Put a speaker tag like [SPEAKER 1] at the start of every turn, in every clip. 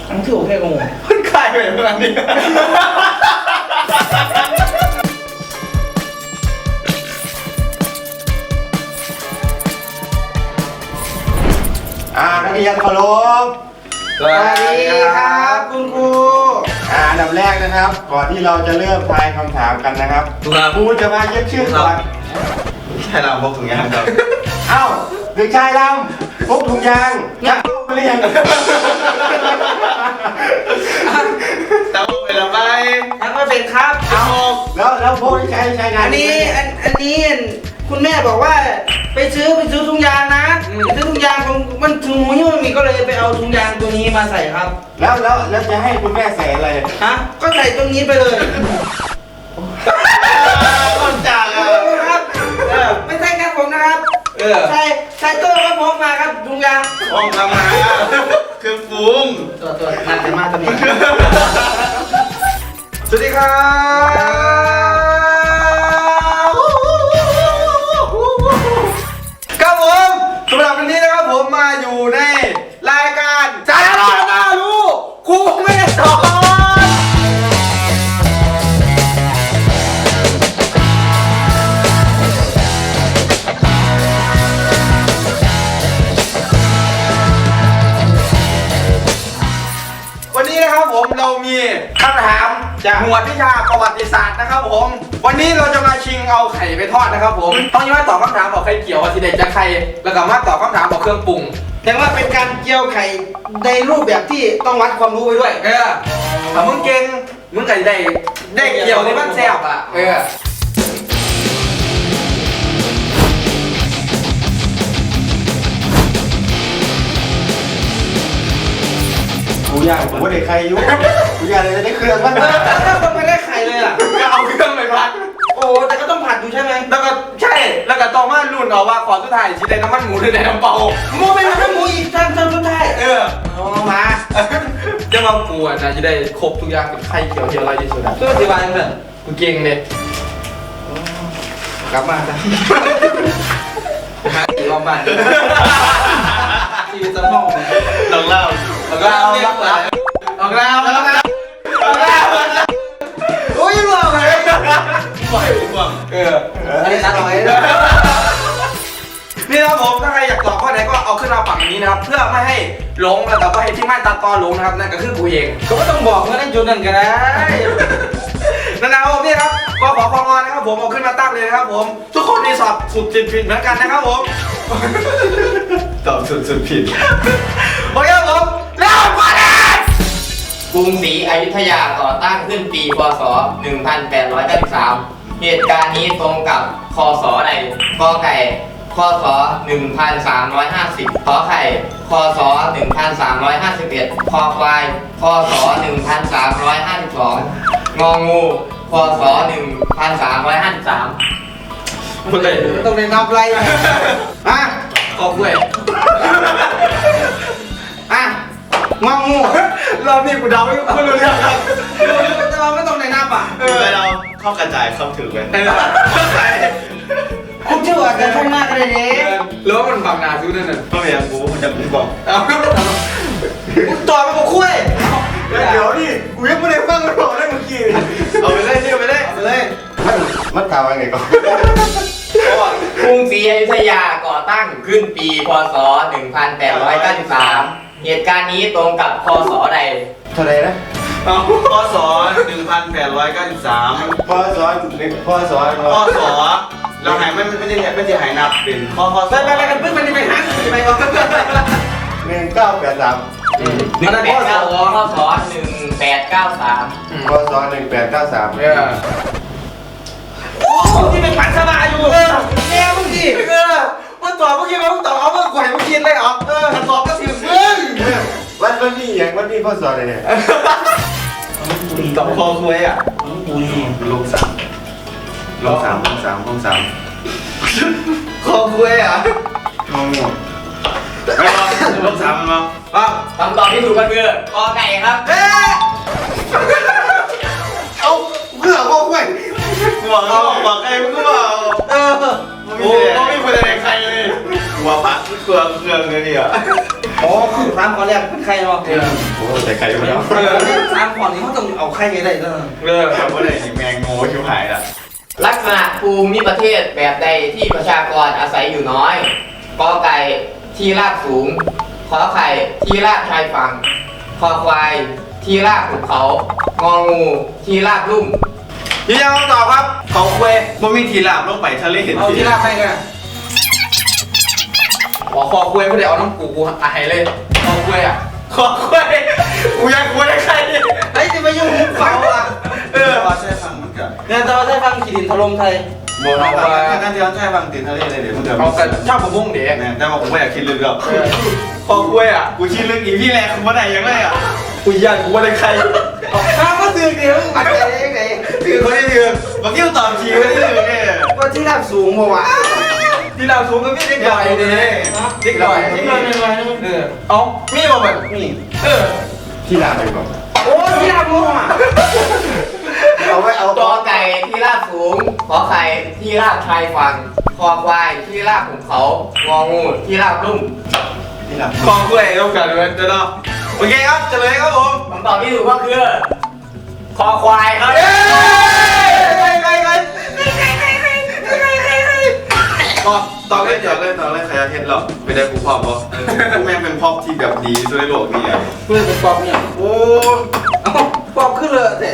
[SPEAKER 1] อันที่โอเคงง
[SPEAKER 2] มันคลายไปขนาดนี้นักเรียนเคารพ
[SPEAKER 1] สวัสดีครับคุณครู
[SPEAKER 2] อันดับแรกนะครับ ก่อนที่เราจะเริ่มทายคำถามกันนะครับครูจะมาเย็บชื่อก่อนใช่เราพกถุงยางครับเอ้าเด็กชายลำพกถุงยางเนี่ยเรียนแต่ว่าเป็นอะไร
[SPEAKER 1] ยังไม่เป็นครับ
[SPEAKER 2] เอาแล้วพกที่ใช้งาน
[SPEAKER 1] อันนี้คุณแม่บอกว่าไปซื้อถุงยางนะไปซื้อถุงยางมันถุงหิ้วมันมีก็เลยไปเอาถุงยางตัวนี้มาใส่ครับ
[SPEAKER 2] แล้วจะให้คุณแม่ใส่อะไร
[SPEAKER 1] ฮะก็ใส่ตรงนี้ไปเลย
[SPEAKER 2] ต้นจาก
[SPEAKER 1] ครับไม่ใช่ครับผมนะครับใส่ตัวก็พกมาครับถุงยาง
[SPEAKER 2] พกมาคือฟุ้ง
[SPEAKER 1] ตัวมาแต่มาตัวนี้
[SPEAKER 2] สวัสดีครับครับผมสำหรับวันนี้นะครับผมมาอยู่ในรายการสาระน่ารู้ครูไม่ได้สอนวันนี้นะครับผมเรามีคำถามจากหมวดวิชาประวัติศาสตร์นะครับผมวันนี้เราจะมาชิงเอาไข่ไปทอดนะครับผมต้องยังไม่ตอบคำถามบอกไข่เกี่ยวว่าทีเด็ดจะไข่แล้วก็มาตอบคำถามบอกเครื่องปรุง
[SPEAKER 1] แต่ว่าเป็นการเจียวไข่ในรูปแบบที่ต้องวัดความรู้ไปด้วย
[SPEAKER 2] ถ้ามึงเก่งมึงก็ได้เกี่ยวในบ้านแซ่บอ่ะกูอยากผมว่าได้ใครยุ่งกูอยากเลยจะได้เครื่องมัน
[SPEAKER 1] ถ้าคนไม่ได้ไข่เลยล่ะ
[SPEAKER 2] ก็เอาเครื่องไปพัด
[SPEAKER 1] โอ้แต่ก็ต้องผัดอยู่ใช่ไหม
[SPEAKER 2] แล้วก็ใช่แล้วก็ต้องมาลุ้นเอาว่าขอสุดท้ายชีได้น้ำมันหมูหรือได้น้ำเปล่า
[SPEAKER 1] หมูเป็นน้ำหมูอีกท่านสุดท้ายมา
[SPEAKER 2] จะมาปวดนะจะได้ครบทุกอย่างเป็นไข่เขียวอะไรที่สุดอ่ะ
[SPEAKER 1] ตัวที่วางเลย
[SPEAKER 2] กูเก่งเลย
[SPEAKER 1] กลับมาจ้ะหาตีรอบบ้านชีวิตจะมอง
[SPEAKER 2] ลองเล่าโอ้ยหลอกเลย
[SPEAKER 1] อันนี้ตัดเอาไว้
[SPEAKER 2] นี่นะครับผมถ้าใครอยากตอบข้อไหนก็เอาขึ้นมาฝั่งนี้นะครับเพื่อไม่ให้หลงแล้วก็ไม่ให้ที่ไม่ตัดตอนหลงนะครับนั่นก็คือกูเอง
[SPEAKER 1] ก็ไม่ต้องบอกว่าได้จุดนั่นก็ได้
[SPEAKER 2] นะครับผมนี่ครับก็ขอความงอนนะครับผมเอาขึ้นมาตั้งเลยนะครับผมทุกคนมีสอบสุดผิดเหมือนกันนะครับผมตอบสุดผิดโอเคครับผมแล้วมาเลย
[SPEAKER 3] กรุงศรีอยุธยาก่อตั้งขึ้นปีพ.ศ. 1893 เหตุการณ์นี้ตรงกับค.ศ. ใดก.ไก่ค.ศ. 1350 ขอไข่ค.ศ. 1351 คอควายค.ศ. 1352 งองูค.ศ. 1353
[SPEAKER 1] ต้องได้นับไร
[SPEAKER 2] ขอบคุณ
[SPEAKER 1] งองู
[SPEAKER 2] รอบนี้กูเดาไม่รู้เรื่องครับ
[SPEAKER 1] แต่เราไม่ต้องในนับ
[SPEAKER 2] เราเข้ากระจายเข้าถึงไป
[SPEAKER 1] คุณชื่อว่าการท่องหน้ากันเลยเนี่ย
[SPEAKER 2] แล้วมันบังนาซื้อนั่นน่ะก็ไม่อยากกูจะกูบอก
[SPEAKER 1] ตัวมันก็คุย
[SPEAKER 2] เดี๋ยวดิกูยังไม่ได้ฟังมันบอกได้เมื่อกี้เอาไปเลยนี่เอาไปเลยมันกล่าวว่าไงก่อน
[SPEAKER 3] กรุงศรีอยุธยาก่อตั้งขึ้นปีพ.ศ. 1893 เหตุการณ์นี้ตรงกับค.ศ. ใด
[SPEAKER 2] เท่าไรนะพ.ศ. 1893พ.ศ. เราหายไม่ได้หายนับเป็นข้อ
[SPEAKER 1] ไปกันพึ่งมันจะไปหาไปก่อน
[SPEAKER 2] 1983
[SPEAKER 3] ค.ศ. 1893
[SPEAKER 2] พ.ศ. 1893
[SPEAKER 1] โอ้ที่เป็นปันสบายอยู่แม่มึงดิ
[SPEAKER 2] มันตอบเมื่อกี้มันตอบเอาเมื่อก่อนมึงคิดเลยเหรอถ้าตอบก็ถือมึงวันนี้อย่างวันนี้พ.ศ. อะไรเนี่ยตอบคอคุยอ่ะลง3คอคุยอ่ะงงลง3มั้ง
[SPEAKER 3] คำตอบที่ถูกก็คือกอไก่ครับ
[SPEAKER 2] เอาเพื่อคอคุยหัวใครมึงก็บอกโอ้ไม่มีคนอะไรใครเลยหัวพระเครื่องเลยเนี่ย
[SPEAKER 1] อ๋อคือถามข้อแรกเป็นใครเนาะ
[SPEAKER 2] โอ้แต่ใครไม่รู้
[SPEAKER 1] ถามข้อนี้เขาต้องเอาใครให้ได้เนาะ
[SPEAKER 2] ครับว่าได้แมงโง่ชิวหายละ
[SPEAKER 3] ลักษณะภูมิประเทศแบบใดที่ประชากรอาศัยอยู่น้อยกอไก่ที่ราบสูงขอไข่ที่ราบชายฝั่งคอควายที่ราบภูเขางองูที่ราบลุ่ม
[SPEAKER 2] ยืนยันคำตอบครับเขาคุยบ่มีทีลาบลงไปทะเลเห็น
[SPEAKER 1] เอาที่ลาบให้กัน
[SPEAKER 2] คอคุยไม่ได้เอาน้ำกูอายเลยคอคุยอ่ะคอคุยกูอยากคุยกับใคร
[SPEAKER 1] ไอ้ที่ไปยุ่งมุกเขาอ่ะ
[SPEAKER 4] ว่าใช่ฟังมันกับ
[SPEAKER 1] เนี่ยตอนได้ฟังขีดินถล่มไทย
[SPEAKER 4] โบราณการที่เราใช้ฟังติดทะเลเลยเดี๋ยวมันเกิด
[SPEAKER 2] เอาแต่ชอบผมพุ่งเด็ก
[SPEAKER 4] เนี่ยแต่ว่าผมไม่อยากคิดลึกหรอก
[SPEAKER 2] คอคุยอ่ะ
[SPEAKER 4] กูคิดลึกอีพี่แรงคุณว่าไหนยังไงอ่ะ
[SPEAKER 2] กูอยากกูว่าได้ใคร
[SPEAKER 1] ข้าวก็ตื่นเดี๋ยวมันจะยังไง
[SPEAKER 4] คือคนที่ถือเมื่อกี้ตอบทีไม่ได้ถือเนี่ย
[SPEAKER 1] ว่าที่ลาบสูงบ่วะ
[SPEAKER 2] ที่เราสูงก็ไม่ได้ก่อยเด้เด็กก่อย
[SPEAKER 1] ที่ลาบไม่ไหว
[SPEAKER 2] เอามีบ่แบบ
[SPEAKER 1] นี่
[SPEAKER 4] ที่ลาไปก่อน
[SPEAKER 1] โอ้ที่ลาบมั่ว
[SPEAKER 4] เอาไว้เอา
[SPEAKER 3] กอไก่ที่ราบสูงขอไข่ที่ราบชายฝั่งคอควายที่ราบภูเขางองูที่ราบลุ่ม
[SPEAKER 4] ที่ลา
[SPEAKER 2] คอคุยต้องการด้วยเนาะโอเคครับเฉลยครับผม
[SPEAKER 3] คำตอบที่ถูกก็คือคอควายครับ
[SPEAKER 4] ต่อเลยต่อเลยใครจะเห็นหรอกไม่ได้กูพอบเพราะกูแม่งเป็นพอบที่แบบดีสุดในโลกนี่อ่ะ
[SPEAKER 1] เพื่อนเป็นปอบเนี่ย
[SPEAKER 4] โอ้
[SPEAKER 1] เอ้าปอบขึ้นเลยแต่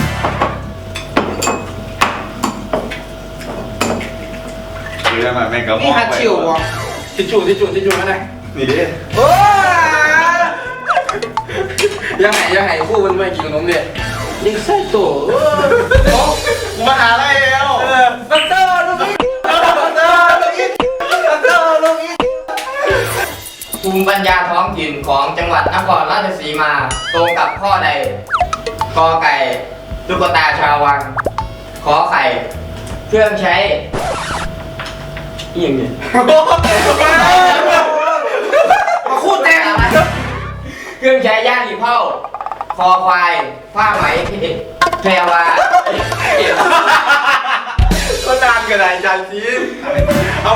[SPEAKER 4] คือได้มาแม่งก็
[SPEAKER 1] นี่ฮัตชิววะ
[SPEAKER 2] ทิชชู่มาได้
[SPEAKER 4] นี่ดิ
[SPEAKER 1] โอ้
[SPEAKER 2] ยังไงคู่มันไม่กินขนมเด็ด
[SPEAKER 1] ยิงใส่ตัว
[SPEAKER 4] กูมาหาอะไรแล้ว
[SPEAKER 1] บัตเตอร์ลูกนี้บัตเตอร์ลูกนี้บัตเตอร์ลูกนี้
[SPEAKER 3] ภูมิปัญญาท้องถิ่นของจังหวัดนครราชสีมาตรงกับข้อใดกอไก่ตุ๊กตาชาววังขอไข่เครื่องใช้อีกอย่างเนี่ย
[SPEAKER 1] มาคู่แต่ง
[SPEAKER 3] เครื่องใช้ย่างหีเผ่าคอควายผ้าไหมแพรวา
[SPEAKER 2] ก็นานกันไหนจานซีเอาไหม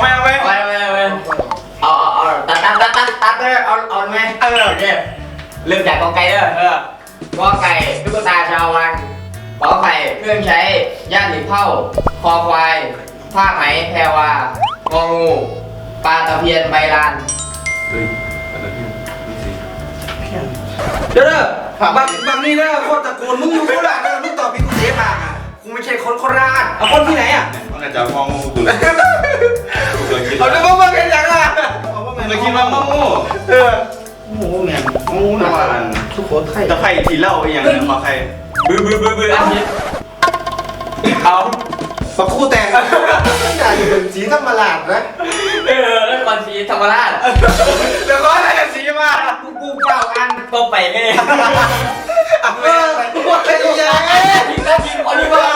[SPEAKER 3] เอาตัดเลยเอาไหมโอเคเริ่มจากกอไก่เด้อกอไก่ตุ๊กตาชาววังขอไข่เครื่องใช้ย่างหีเผ่าคอควายผ้าไหมแพรวางองูปลาตะเพียนใบลาน
[SPEAKER 4] เฮ้ยอะไรพี่นี่สิ
[SPEAKER 1] เด้อบางนี่เด้อโคตรตะโกนมึงอยู่โคราชเด้อมึงตอบพี่กูเสียปากอ่ะ
[SPEAKER 2] กูไม่ใช่คนโคราช
[SPEAKER 1] เอาคนที่ไหนอ่ะ
[SPEAKER 4] มันอาจจะมองงูกูเลยกูเคยคิด
[SPEAKER 2] เอาดูว่ามึงเป็นยังไง
[SPEAKER 4] เคยคิดว่างู
[SPEAKER 2] เออ
[SPEAKER 1] โอ้โหแม่งงูนะสุโขทัย
[SPEAKER 4] ตะไคร่ทีเล่าอย่างนี้มาใคร
[SPEAKER 3] บื้ออันนี้
[SPEAKER 2] เอา
[SPEAKER 1] มาคู่แต่งอย่าอยู่เป็นสีธรรมราชนะ
[SPEAKER 3] แล้วก่อนสีธรรมราช
[SPEAKER 2] เดี๋ยวก็อะไรกันสีมา
[SPEAKER 3] กูเก้าอันก็ไปไง
[SPEAKER 1] เออไอ้ยัย
[SPEAKER 3] ยิงคนที่ว่า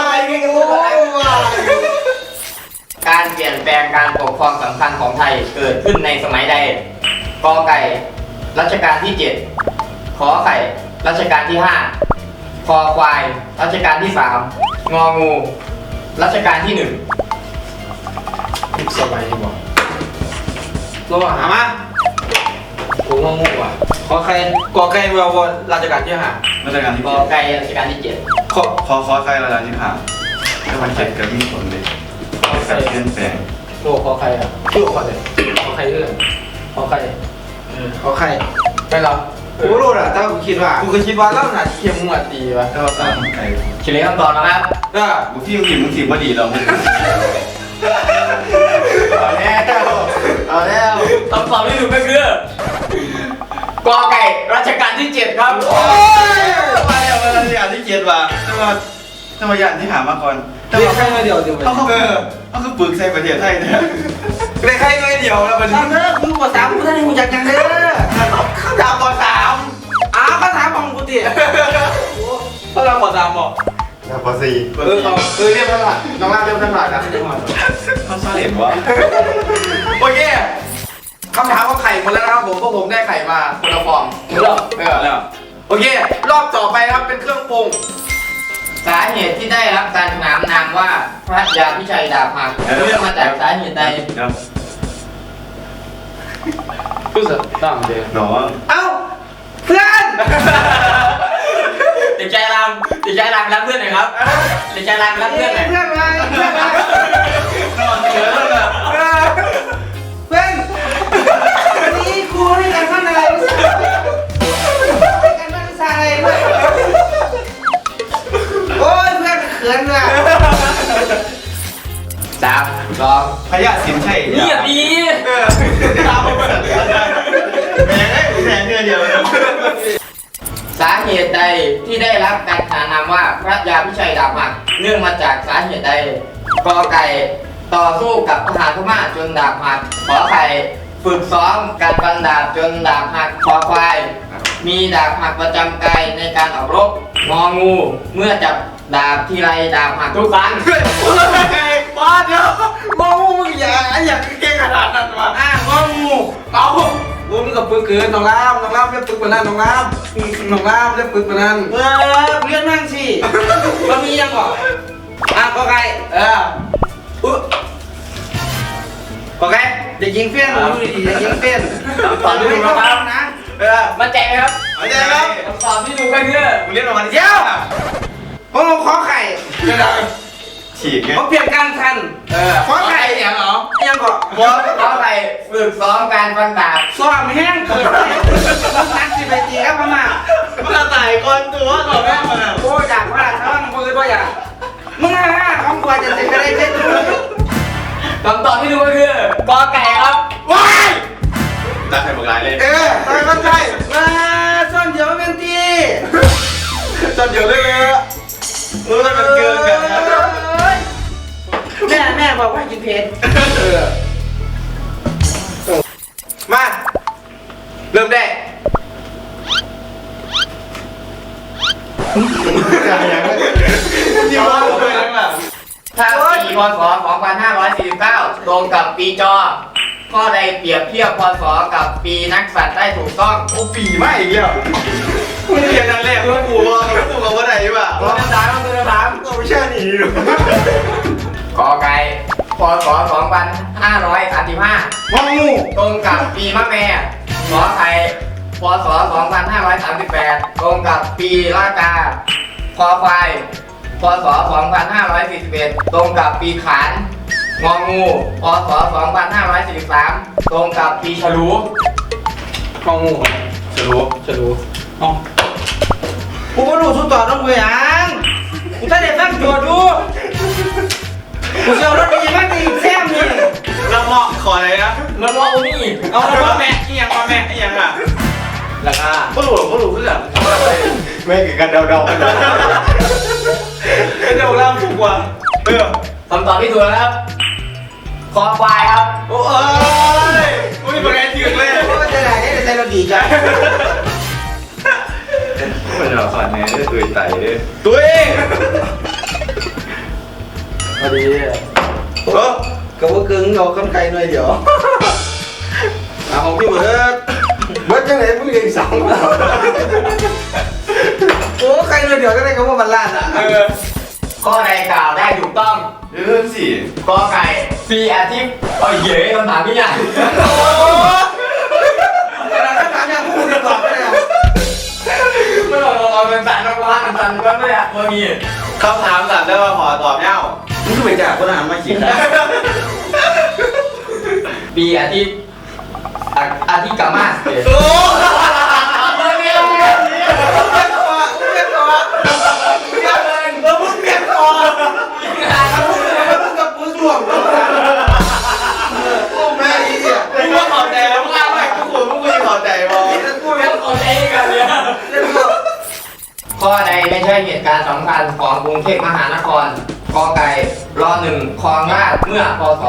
[SPEAKER 3] การเปลี่ยนแปลงการปกครองสำคัญของไทยเกิดขึ้นในสมัยใดกอไก่รัชกาลที่7ขอไข่รัชกาลที่5คอควายรัชกาลที่3งองูรัชกาลที่1
[SPEAKER 2] สบายดีบ่
[SPEAKER 1] ตัวหามา
[SPEAKER 2] กูงงว่ะ
[SPEAKER 1] ขอใครกอไก่วอราชการที่ห้า
[SPEAKER 4] ราชการที่
[SPEAKER 3] กอไก่รัชกาลที่7
[SPEAKER 4] ขอใครระดับที่ผ่านถ้ามันเจ็ดก็มีผลเลยการเปลี่ยนแปลง
[SPEAKER 2] โลขอใครอ่ะชื่อขอใครขอใครเรื่องขอใคร
[SPEAKER 1] ขอใคร
[SPEAKER 2] ไม่รับ
[SPEAKER 1] กูรู้อ่ะแต่กูคิดว่า
[SPEAKER 2] กูเคยคิดว่าเล่าหนาเทียมมึงอ่ะตีป่ะ
[SPEAKER 4] ถ้าเราสามไก่
[SPEAKER 3] เฉลยคำตอบนะครับ
[SPEAKER 2] ก็
[SPEAKER 4] กูที่มึงถีบว่าดีเรามึง
[SPEAKER 3] เอาแล้วคำตอบที่ถูกก็คือกอไก่รัชกาลที่7ครับ
[SPEAKER 4] โอ้ยมาแล้วมาแล้วอย่างที่เจ็ดว่ะถ้ามาอย่างที่หามาก่อน
[SPEAKER 1] เรียกใครมาเดียวเดียว
[SPEAKER 4] เขาคือปึกใส่ประเทศไทยเนี่ย
[SPEAKER 2] ได้ใครไม่เดียวแล้วมัน
[SPEAKER 1] ทำเด้อมึงกว่า3กูท่านให้กูอยากยังเด้อ
[SPEAKER 2] ข้าวดาวก่อน3
[SPEAKER 1] อ้าวก็ถามของกูดิ
[SPEAKER 2] ข้าวดาวก่อน3บอก
[SPEAKER 4] ปอซี
[SPEAKER 2] เรียบร้อยน้องล่าเรียบร้อยนะ
[SPEAKER 4] เขาชอบเห็นว่า
[SPEAKER 2] โอเคคำถามว่าไข่หมดแล้วนะครับผมพวกผมได้ไข่มาคนละฟองแล้วโอเค รอบต่อไปครับเป็นเครื่องปรุง
[SPEAKER 3] สาเหตุที่ได้รับการขนานนามว่าพระยาพิชัยดาบหักเรื่องมาจากสาเหตุใด
[SPEAKER 4] ครับ
[SPEAKER 2] คือพูดสัตว์ตั้งเดียว
[SPEAKER 4] หนอ
[SPEAKER 1] เอ้าเพื่อน
[SPEAKER 3] เด็กชายรามเด็กชายรามรับเพื่อนหน่อยครับเด็กชายรามรับเพื่อนหน่อย
[SPEAKER 1] เพื่อนมาเพื่อนมา
[SPEAKER 2] นอนเยอะเลย
[SPEAKER 1] เพื่อนวันนี้ครูให้การบ้านอะไรวิชาให้การบ้านวิชาอะไรด้วยโอ้ยเพื่อนเขินว่ะ
[SPEAKER 3] 3 2
[SPEAKER 4] พยาสินใช่
[SPEAKER 3] เงียบดี
[SPEAKER 4] ตามมาแม่แม่เดียว
[SPEAKER 3] สาเหตุใดที่ได้รับการขนานนามว่าพระยาพิชัยดาบหักเนื่องมาจากสาเหตุใดกอไก่ต่อสู้กับทหารพม่าจนดาบหักขอไข่ฝึกซ้อมการฟันดาบจนดาบหักคอควายมีดาบหักประจำกายในการออกรบงองูเมื่อจับดาบทีไรดาบหักทุกครั้ง
[SPEAKER 2] บ้าเดี๋ยวมองมึงอย่าเก่งขนาดนั้นวะ
[SPEAKER 1] งองู
[SPEAKER 2] เอามึงกับปึกเกินน้องรามเรียกปึกกว่านั้นน้องรามเรียกปึกกว่านั้น
[SPEAKER 1] เรียนนั่งสิมันมียังก่อนก็ไก่
[SPEAKER 2] ก็แก
[SPEAKER 1] เด็กยิงเฟี้ยนดูดีเด็กยิงเฟี้ยน
[SPEAKER 2] ตอนนี้ดูนะครับ
[SPEAKER 1] นะ
[SPEAKER 3] มั่นใจไหมครับ
[SPEAKER 4] เอาใจครับ
[SPEAKER 3] คำตอบที่ถูกก็คือ
[SPEAKER 4] มึงเรียกออกมา
[SPEAKER 1] เดี๋ยวผมเอาขอไข่
[SPEAKER 4] ฉีกไง
[SPEAKER 1] ผมเปลี่ยนกลางทันขอไข่
[SPEAKER 3] เสียงเหรอ
[SPEAKER 1] ยังก่อน
[SPEAKER 3] ขอไข่ฝึกซ้อมการฟันดาบ
[SPEAKER 1] ซ้อมแห้งเกิดนักสิไปตีครับพม่า
[SPEAKER 4] มันตายก่อนตัวก่อนแม่มา
[SPEAKER 1] โอ้ยอยากว่าถ้ามึงคือตัวอย่างมึงของกว่าจะติดกระไรเช็ดดู
[SPEAKER 3] คำตอบที่ถูกก็คือกอไก่ครับ
[SPEAKER 1] ว้าย
[SPEAKER 4] ตาใครบอกลายเลย
[SPEAKER 1] ตายก็ใช่มาซ่อนเดี๋ยวเป็นตี
[SPEAKER 4] จนเดี๋ยวเลยมันเกินกันนะ
[SPEAKER 1] แม่บอกว่ากินเพชร
[SPEAKER 2] มาเริ่มได้
[SPEAKER 4] ที่ว่าเลยนั่นแหละ
[SPEAKER 3] ถ้าปีพศ 2549 ตรงกับปีจอ ข้อใดเปรียบเทียบพศ กับปีนักสัตว์ได้ถูกต้อง
[SPEAKER 4] โอ้ปีไม่อีกแล้วมึงเรียนนั่นแหละมึงกูว่ากูกับว่าไหนวะ
[SPEAKER 3] ตัวน้ำตาลตัวน้ำตาล
[SPEAKER 4] เราไม่ใช่หนีหรอก
[SPEAKER 3] กอไก่พศ 2535
[SPEAKER 1] งองู
[SPEAKER 3] ตรงกับปีมะแม่ขอไข่พศ 2538 ตรงกับปีละกาคอควายพศ 2541 ตรงกับปีขานงองูพศ 2543 ตรงกับปีฉลู
[SPEAKER 2] มองงูจะรู้อ๋อ
[SPEAKER 1] กูก็รู้สุดต่อต้องกูยังกูตั้งใจฟังโจทย์ดูกูจะเอารถไปยังไม่ตีแซมนี่
[SPEAKER 4] เราเหมาะขออะไรนะ
[SPEAKER 3] มันว่าโอนี่
[SPEAKER 2] เอามาแม่อีหยังมาแม่อีหยังอ่ะ
[SPEAKER 3] ราคา
[SPEAKER 4] ก็หลุดเพื่อนไม่เกิดกันเดาๆกัน
[SPEAKER 2] เดี๋ยวรามถูกกว่า
[SPEAKER 3] คำตอบที่ถูกแล้วครับคอควายครับ
[SPEAKER 2] โอ้ยอุ้ยเป็นไงถึงเลย
[SPEAKER 1] กูก็จะได้ใจเราดีจ้ะ
[SPEAKER 4] มันจะสอนไงได้ตัวไต่เลย
[SPEAKER 2] ตัวเอง
[SPEAKER 1] พอดีก็ว่าเกึ่งเราคำไก่หน่อยเดี๋ยว
[SPEAKER 2] ของพี่เบิร์ด
[SPEAKER 1] เบิร์ดจังไหนมึงเรียนสองโอ้ไก่หน่อยเดี๋ยวก็ได้คำว่าบรรลัดอ่ะ
[SPEAKER 3] ข้อใดกล่าวได้ถูกต้อง
[SPEAKER 4] เรื่องสิ
[SPEAKER 3] กอไก่ปีอาทิตย์โอ้ยเย้คำถามพี่ใหญ่
[SPEAKER 1] เวลาถ้าถามอย่างพูดตอบไม่ได้
[SPEAKER 3] ไม่หรอกเราเป็นสันนักล่าสันก็ไม่ได้พอมี
[SPEAKER 4] คำถามสัตว์ได้มาขอตอบเน่า
[SPEAKER 1] มึงก็ไปจ่ายคนอาหารมาขีดนะ
[SPEAKER 3] ปีอาทิตย์อาทิตย์กามาสเตย์
[SPEAKER 2] โอ้
[SPEAKER 3] เรียน
[SPEAKER 2] เปลี่ยนแล้วมึงเปลี่ยนคอ
[SPEAKER 1] มึงกับกูส่วงโอ้แม่อีเนี่ย
[SPEAKER 4] มึงว่าขอใจแล้วมึงอะไรกูขอมึงไม่ขอใจบอ
[SPEAKER 3] กูเรียนของเองกันเนี่ยข้อใดไม่ใช่เหตุการณ์สำคัญของกรุงเทพมหานครกอไก่รอหนึ่งคลองราชเมื่อพศ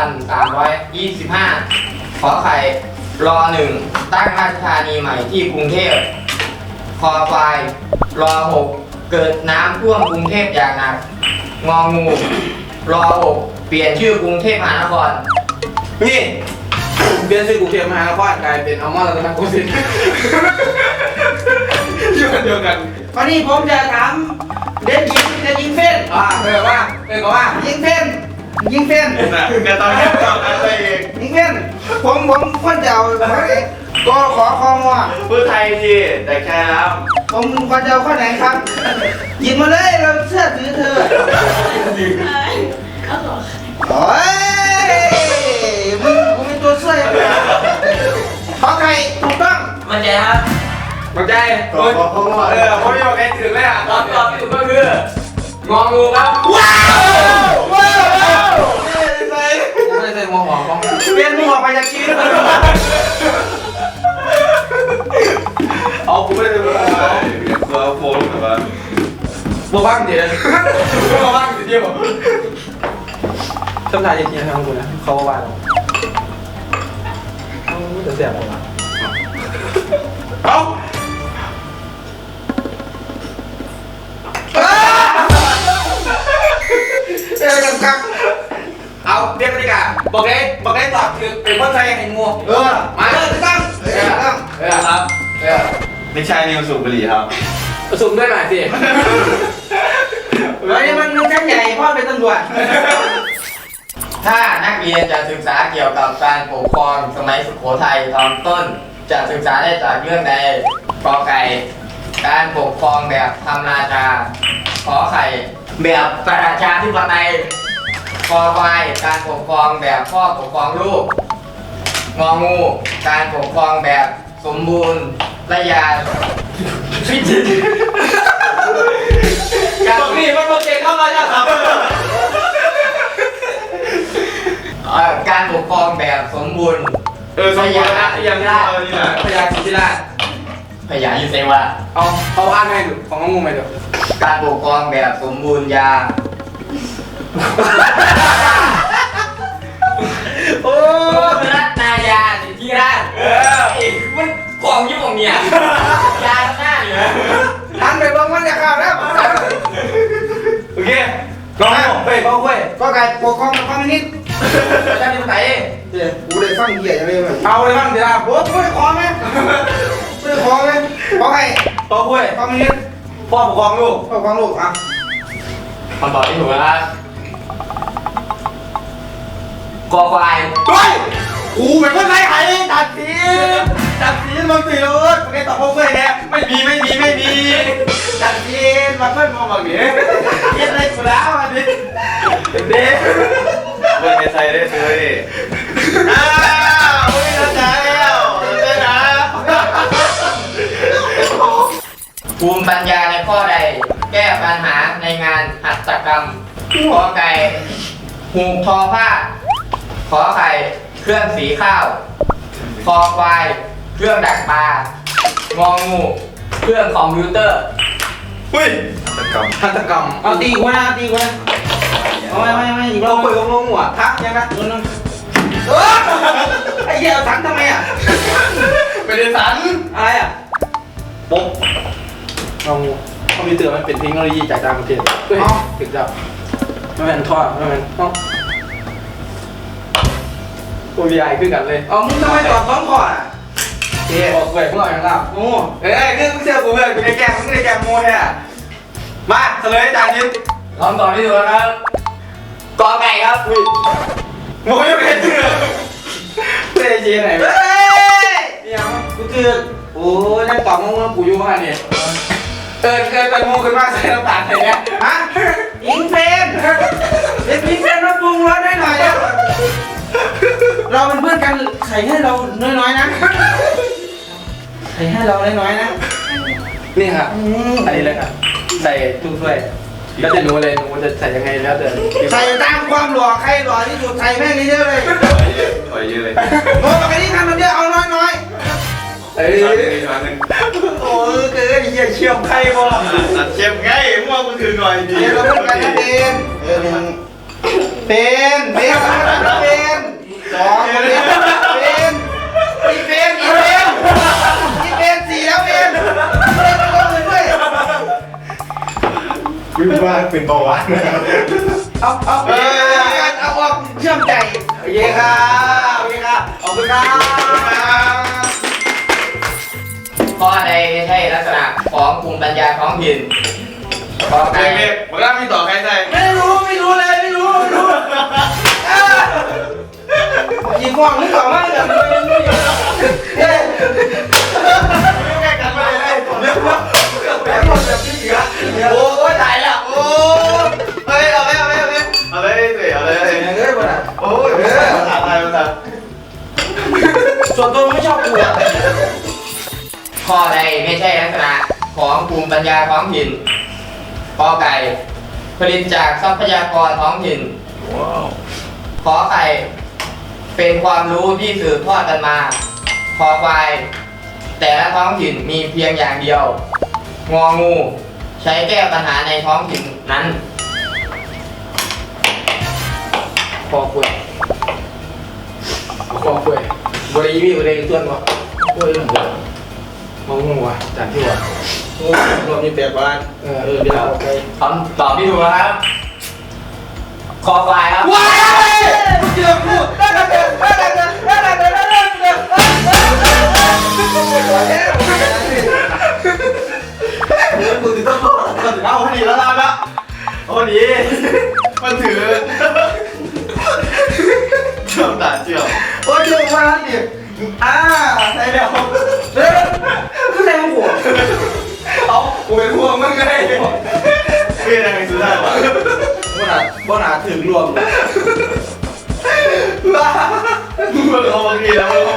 [SPEAKER 3] 2325 ขอไข่รอหนึ่งตั้งราชธานีใหม่ที่กรุงเทพคอควายรอหกเกิดน้ำท่วมกรุงเทพอย่างหนักงองูรอหกเปลี่ยนชื่อกรุงเทพมหานคร
[SPEAKER 2] นี่เปลี่ยนชื่อกรุงเทพมหานครกลายเป็นอัลมอนด์รัตนโกสินทร์อยู่กันเดียวกัน
[SPEAKER 1] วันนี้ผมจะถามเด็กยิงเฟ้น
[SPEAKER 2] ก็ว่า
[SPEAKER 1] ยิงเฟ้นยิงเป็น
[SPEAKER 4] นะก็ต้องเรียกต่อกันไปเอง
[SPEAKER 1] ยิงเป็นผมควรจะเอาก็ขอคอมัว
[SPEAKER 4] พูดไทยสิแต่แค่แล้ว
[SPEAKER 1] ผมควรจะเอาข้อไหนครับหยิบมาเลยเราเชื่อถือเธอโอ้ยมึงกูมีตัวช่วยขอไข่ถูกต้อง
[SPEAKER 3] มันใจครับ
[SPEAKER 2] มั่นใจ
[SPEAKER 4] ขอเขาว่า
[SPEAKER 2] ผมไม่บอกใครถึงเลยอ่ะ
[SPEAKER 3] ตอบที่ถูกก็คืององูครับ
[SPEAKER 1] ว้าวว้าว
[SPEAKER 2] ไม่ได้ใส่หมวกหมอก
[SPEAKER 1] เปลี่ยนมึงออกไปจากชีวิตมัน
[SPEAKER 2] เอากูไม่ได้เลย
[SPEAKER 4] ตัวโฟมแบบว่า
[SPEAKER 2] บัวบ้างเดี๋ยวบัวบ้างเดี๋ยวต้นทายจริงๆนะครับคุณนะเขาว่าเราจะเสียบออกมา
[SPEAKER 4] เอา
[SPEAKER 1] เจอกันครับ
[SPEAKER 2] เอาเรียกบรรยากาศบอกได้ตอบคือเป็นคนไทยให้งู
[SPEAKER 1] มาเลยถูกต้องถูกต้อง
[SPEAKER 3] ครับ
[SPEAKER 4] ไม่ใช่นิวสูบบุหรี่ครับ
[SPEAKER 2] ประชุมด้วยหน่อยสิ
[SPEAKER 1] เฮ้ยมันชั้นใหญ่พ่อเป็นตำรวจ
[SPEAKER 3] ถ้านักเรียนจะศึกษาเกี่ยวกับการปกครองสมัยสุโขทัยตอนต้น จะศึกษาได้จากเรื่องใดกอไก่การปกครองแบบธรรมราชาขอไข่แบบประชาธิปไตยคอควายการปกครองแบบพ่อปกครองลูกงองูการปกครองแบบสมบูรณ์ระยาพิจิตรการนี้มันโปรเจกต์เข้ามาแล้วครับการปกครองแบบสมบูรณ์
[SPEAKER 4] สมบูรณ์นะยังได้นี่แหละ
[SPEAKER 2] พยาธิราช
[SPEAKER 3] พยายูเซวะ
[SPEAKER 2] เอาอ่านให้ดูของงูไหมดู
[SPEAKER 3] การปกครองแบบสมบูรณ์ยา
[SPEAKER 2] โอ้
[SPEAKER 3] รัตนายาสิทธิราชมันของยี่ห้อเนี่ยยาหน้าเนี่ย
[SPEAKER 1] ทันไปบ้างมันจะข่าวแล้ว
[SPEAKER 2] โอเคลองเฮ้ยเขาเว้ย
[SPEAKER 1] ก็ไก่ปกครองกับความนิด
[SPEAKER 3] ประชาธิปไตย
[SPEAKER 1] เดี๋ยวกูเลยฟังเหี้ยอย่างนี้เลย
[SPEAKER 2] เอาเลยบ้างเดี๋ยว
[SPEAKER 1] โอ้กูได้ขอไหมกูได้ขอไหมขอไข่
[SPEAKER 2] เขาเว้ย
[SPEAKER 1] ความนิด
[SPEAKER 2] พ่อปกครองลูก
[SPEAKER 1] ปกครองลูกอ่ะ
[SPEAKER 3] คำตอบที่ถูกนะครับกอควาย
[SPEAKER 2] เฮ้ยกูเป็นคนไร้ไห้ตัดสีมึงสีรถมึงได้ตอบพวกเว้ยเนี่ยไม่มีตัดสีมาเพิ่มมาแบบนี้เย็นอะไรกูแล้วอันนี้เด็ก
[SPEAKER 4] เปิดในไทยได้เลยอ้าวไม่เข้าใจแล้วได้นะ
[SPEAKER 3] ภูมิปัญญาในข้อใด แก้ปัญหาในงานหัตถกรรมขอไก่หูกทอผ้าขอไข่เครื่องสีข้าวคอควายเครื่องดักปลางองูเครื่องคอมพิวเตอร์
[SPEAKER 4] อุ้ย
[SPEAKER 2] หัตถกรรม
[SPEAKER 1] เอาตีกูนะตีกูนะไม่อีกรอ
[SPEAKER 2] เรา
[SPEAKER 1] บ
[SPEAKER 2] เปิดของงูอ่ะทักยังนะ
[SPEAKER 1] ไอ้เหี้ยเอาถังทำไมอ่ะ
[SPEAKER 2] ไม่ได้สันอะไรอ่ะปุ๊บเอางูคอมพิวเตอร์มันเป็นเทคโนโลยีจากต่างประเทศเฮ้ยถึงจับไม่เป็นท่อไม่เป็นโอ้ยใหญ่ขึ้นกันเลย
[SPEAKER 1] เอามึงทำไมตอบ2ข้ออ่ะ
[SPEAKER 2] เอ๊ะบอกเว้ยพวกเราอย่างเรา
[SPEAKER 1] โอ้
[SPEAKER 2] เอ้ยคือมึงเชื่อกูเพื่อนกูในแกมมึงในแกมโม่แท้มาเฉลยจานยิน
[SPEAKER 3] คำตอบที่ถูกนะครับกอไก่ครับ
[SPEAKER 2] โม่ยังเป็นเชื่อเฮ้ยเจ๊ไหน
[SPEAKER 1] เฮ้ย
[SPEAKER 2] นี่ยังกูเจอโอ้ยนั่งตอบมึงกูอยู่มาเนี่ยเคยเป็นโม่ขึ้นมาใส่น้ำตาลอะไรเงี้ย
[SPEAKER 1] ฮะยิงเฟนเป็นยิงเฟนมาปรุงรสได้หน่อยอ่ะเราเป็นเพื่อนกันใส่ให้เราน้อยๆนะใส่ให้เราน้อยๆนะ
[SPEAKER 2] นี่ครับอันนี้เลยครับใส่ทุกถ้วยแล้วจะรู้เลยหนูจะใส่ยังไงแล้วแต่
[SPEAKER 1] ใส่ตามความหล่อใครหล่อที่สุดใส่แม่งเยอะๆเลย
[SPEAKER 4] ถอยเยอะเลย
[SPEAKER 1] โอ้ปกติทำมันเยอะเอาน้อย
[SPEAKER 2] เอ้ย
[SPEAKER 4] ช้อนหนึ่ง
[SPEAKER 2] โอ้ยเกิดเหี้ยเชี่ยวใครบ่
[SPEAKER 4] ตัดเชฟไงมั่วกูถือหน่อยดี
[SPEAKER 1] ๆเดี๋ยวเราเป็นกันนะเป็นสองเป็นสี่แล้วเป็นไม่ต้องเลยด้วย
[SPEAKER 4] คิดว่าเป็นเบาหวาน
[SPEAKER 1] เอาออกเชื่อมใจ
[SPEAKER 2] โอเคครับโอเคครับขอบคุณครับ
[SPEAKER 3] ข้อใดไม่ใช่ลักษณะของภูมิปัญญาท้องถิ่นกอ
[SPEAKER 4] ไก่
[SPEAKER 3] ไก่
[SPEAKER 4] เมฆมันก็มีต่อใครใส่
[SPEAKER 1] ไม่รู้เลยไม่รู้ยิงกว้างนึกออกมั้ยกันเฮ้ย
[SPEAKER 4] ใกล้กันไปเลยเร็ว
[SPEAKER 2] แบบหมดแบบนี้เหรอ
[SPEAKER 3] โอ้ยตายแล้ว
[SPEAKER 4] โอ้เฮ้ยเอาเลยเอาเลย
[SPEAKER 1] เฮ้ยบ่น่ะ
[SPEAKER 4] โอ้ยภาษาไทยภาษา
[SPEAKER 1] ส่วนตัวไม่ชอบกูอ่ะ
[SPEAKER 3] ข้อใดไม่ใช่ลักษณะของภูมิปัญญาท้องถิ่นกอไก่ผลิตจากทรัพยากรท้องถิ่นขอไข่เป็นความรู้ที่สืบทอดกันมาคอควายแต่ละท้องถิ่นมีเพียงอย่างเดียวงองูใช้แก้ปัญหาในท้องถิ่นนั้นคอคุยบริวีบริส่วนวะคุยมองงูวะจากที่วะ
[SPEAKER 1] โอ้รวมมี8บาทเดี๋ยวเอาไป
[SPEAKER 3] คำตอบที่ถูกนะครับคอควายครับ
[SPEAKER 1] ว้ายเจอกูกูติดต้อง
[SPEAKER 4] เอาพอดีแล้วนะพอดีมันถือเชื่อมตาเชื่อม
[SPEAKER 1] โอ้ยเจอมาแล้วดิใส่แล้วเฮ้ยคือใส่หัว
[SPEAKER 4] เอากูเป็นพวกมึงไงเพื่อนอะไรสุดท้ายวะ
[SPEAKER 1] บ่หนาถึงรวม
[SPEAKER 4] มึงเอาบางทีแล้วมึง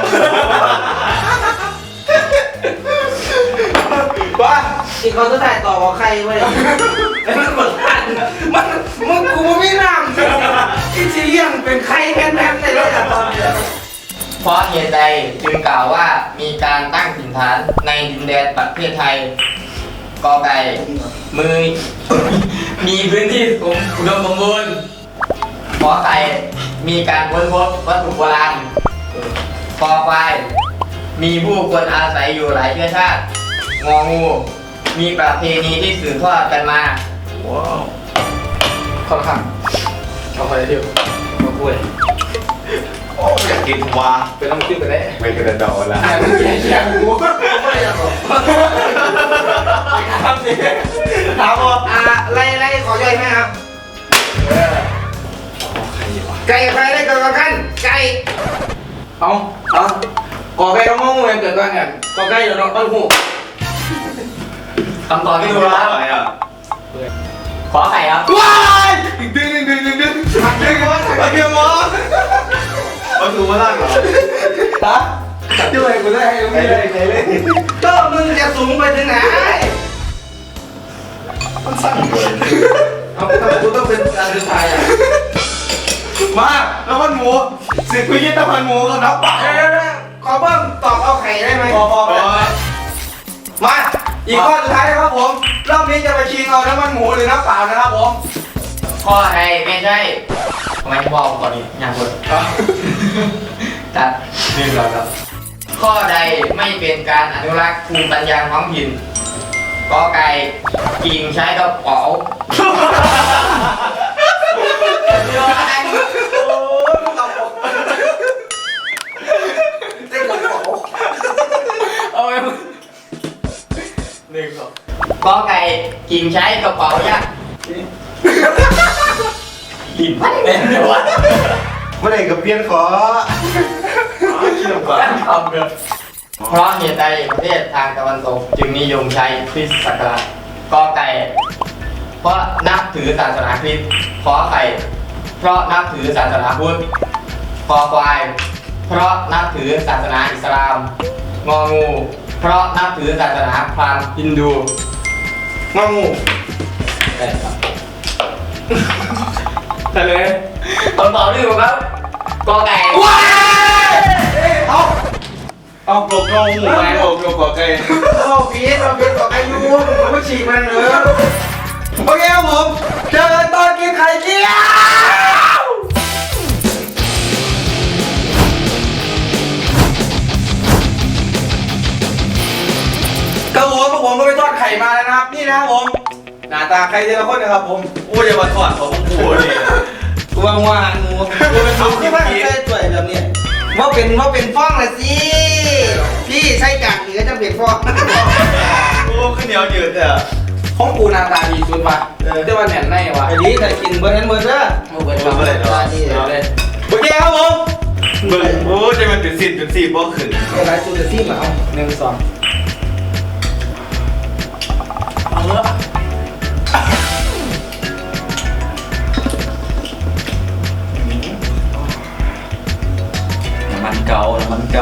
[SPEAKER 1] ว่าอีกคนจะถ่ายต่อกับใครเว้ยมันหมดทันมันกูไม่น้ำอีซีเรียงเป็นใครแพ้ในรถตอนนี้
[SPEAKER 3] เพราะเหตุใดจึงกล่าวว่ามีการตั้งถิ่นฐานในดินแดนประเทศไทยกอไก่มือ มีพื้นที่อุดมสมบูรณ์ขอไข่มีการค้นพบวัตถุโบราณคอควายมีผู้คนอาศัยอยู่หลายเชื้อชาติงองูมีประเพณีที่สืบทอดกันมา
[SPEAKER 4] ว้าว
[SPEAKER 3] ค่อนข้างเอาไปเที่ยวมาคุย
[SPEAKER 4] โอ้อยากกินวา
[SPEAKER 3] เป็นต้องคิดไปได้
[SPEAKER 4] ไม่กระดองละ
[SPEAKER 1] อยากรู้ไม่อยากรู้
[SPEAKER 4] ถามว่า
[SPEAKER 1] ไล่ขอย่อยไหมครับไก่ใครได้เกิดกันไก่เอากอไก่ต้องงงเงินเกิดกันเนี่ยกอไก่อยู่น้องต้นหู
[SPEAKER 3] คำตอบที่ถูก
[SPEAKER 4] อะ
[SPEAKER 3] ครับ
[SPEAKER 4] ไรอ่ะ
[SPEAKER 3] ขอไข่ครับ
[SPEAKER 4] ว้ายดึงหักดึงวะหักดึงวะมันถูกมาล่างเหรอ
[SPEAKER 1] ฮะด้วยกูได้ให้ตรงนี้เลยก็มึงจะสูงไปถึงไหน
[SPEAKER 4] มันสั้นเลย
[SPEAKER 1] เอากูต้องเป็นอันสุดท้ายอ่ะ
[SPEAKER 4] มาแล้วมันหมูสิบพิจิตรพันหมูกับน้ำเปล่า
[SPEAKER 1] ขอเพิ่มตอบเอาไข่ได้ไหม
[SPEAKER 4] พอ
[SPEAKER 2] มาอีกข้อสุดท้ายนะครับผมรอบนี้จะไปชิงเอาน้ำมันหมูหรือน้ำเปล่านะครับผม
[SPEAKER 3] ข้อใดไม่ใช่ทำไมบอกก่อนนี้อย่างคนตัดนี่เราครับข้อใดไม่เป็นการอนุรักษ์ภูมิปัญญาท้องถิ่นกอไก่กิ่งใช้กระเป๋าเดี๋ยวอัน
[SPEAKER 1] เต้นกับเขา
[SPEAKER 3] เอาไปหนึ่งสองกอไก่กิ่งใช้กระเป๋ายักษ์ลิ้นพันเลยเดี๋ยววะ
[SPEAKER 4] เมื่อไหร่กับเพี้ยนขอเชื่อมกว่า
[SPEAKER 3] ทำเกินเพราะเหตุใดประเทศทางตะวันตกจึงนิยมใช้คริสต์ศักราชกอไก่เพราะนับถือศาสนาคริสต์ขอไข่เพราะนับถือศาสนาพุทธคอควายเพราะนับถือศาสนาอิสลามงองูเพราะนับถือศาสนาพราหมณ์ฮินดู
[SPEAKER 2] งองู
[SPEAKER 3] เฉลยคำตอบที่ถูกครับกอไก่
[SPEAKER 2] ว้ายเอา
[SPEAKER 4] ปลกงงหมูไงปลกกว่าไก่
[SPEAKER 1] เราพีชกับอายุผมก็ฉีกมันเลย
[SPEAKER 2] โอเคครับผมเจอกันตอนกินไข่เจียวกระหัวพวกผมก็ไปทอดไข่มาแล้วนะครับนี่นะครับผมหน้าตาใครแต่ละคนนะครับผม
[SPEAKER 4] อู้จะมาถอดของกูนี่
[SPEAKER 1] วางงูกูเป็นสูงที่ว่าใส่ตัวแบบนี้ว่าเป็นฟ้องละสิพี่ใช้กากหรือจะเป็นฟ้อง
[SPEAKER 4] โอ้ขึ้นเหนียวยืดอ่ะ
[SPEAKER 2] ของกูหน้าตาดีสุดว่ะแต่ว่าแหน่นในว่ะ
[SPEAKER 1] ไอ้นี้แต่กินเบอร์นั้นเบอร์เด้อ
[SPEAKER 2] โอ้เบิร์ดเบิร์ด
[SPEAKER 1] ตาดีเลย
[SPEAKER 2] โอเคครับผม
[SPEAKER 4] เบิ่งโอ้จะมันเป็นสิบบ่ขึ้น
[SPEAKER 1] อะไรจุดที่มาเอา1 2เอาเถอะ
[SPEAKER 2] น้ำมันเก่า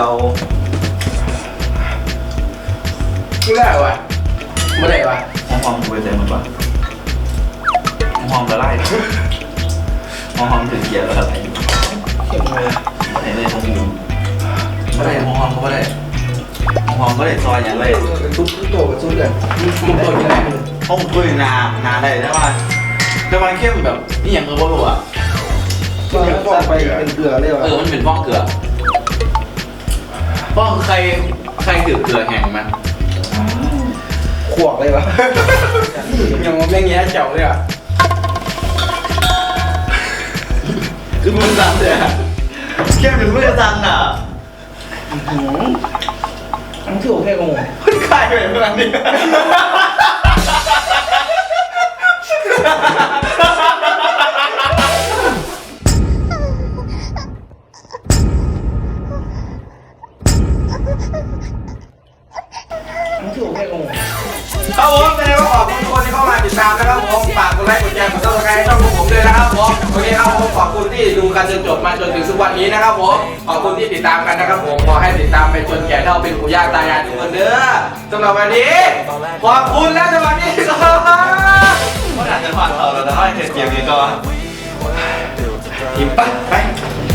[SPEAKER 1] ไม่ได้ว่ะไม่ได้ว่ะ
[SPEAKER 2] หอมกูไปเต็มหมดว่ะหอมละลายหอมถึงเกียร์แล้วอะไร
[SPEAKER 1] เข้มเลย
[SPEAKER 2] ไหนเลยหอมไม่ได้หอมเขาไม่ได้หอมก็ได้ซอยอย่างไร
[SPEAKER 1] ทุบโตกับทุบเลยทุบโตยังไง
[SPEAKER 2] ห้องคุยนาได้ใช่ป่ะแต่มันเข้มแบบนี่อย่างเออว่าหลว
[SPEAKER 1] ก็ต้องไปเป็นเกลือเลยว่ะ
[SPEAKER 2] มันเป็นฟ้องเกลือฟ้องใครถือเกลือแห้งมั้ย
[SPEAKER 1] ขวกเลยวะ
[SPEAKER 3] ยังว่าแม่งแย่เจ๋วเลยอ่ะ
[SPEAKER 2] คือมือสั่นเลยเข้มถึงมือสั่นอ่ะ
[SPEAKER 1] ทั้งที่โอเคกับหมู
[SPEAKER 2] ใครเป็นขนาดนี้
[SPEAKER 1] ทั้งที่โอเคกับหมู
[SPEAKER 2] ครับผมแสดงว่าขอบคุณทุกคนที่เข้ามาติดตามนะครับผมฝากกดไลค์กดแชร์กดซับสไครต์ช่องของผมด้วยนะครับผมโอเคครับผมขอบคุณที่ดูกันจนจบมาจนถึงทุกวันนี้นะครับผมขอบคุณที่ติดตามกันนะครับผมขอให้ติดตามไปจนแก่เท่าเป็นปู่ย่าตายายทุกคนเด้อสำหรับวันนี้ขอบคุณและสวัสดีครับ
[SPEAKER 4] เขาอาจจะผ่านเราแล้วนะให้เกมนี้ก็
[SPEAKER 2] ทีมไป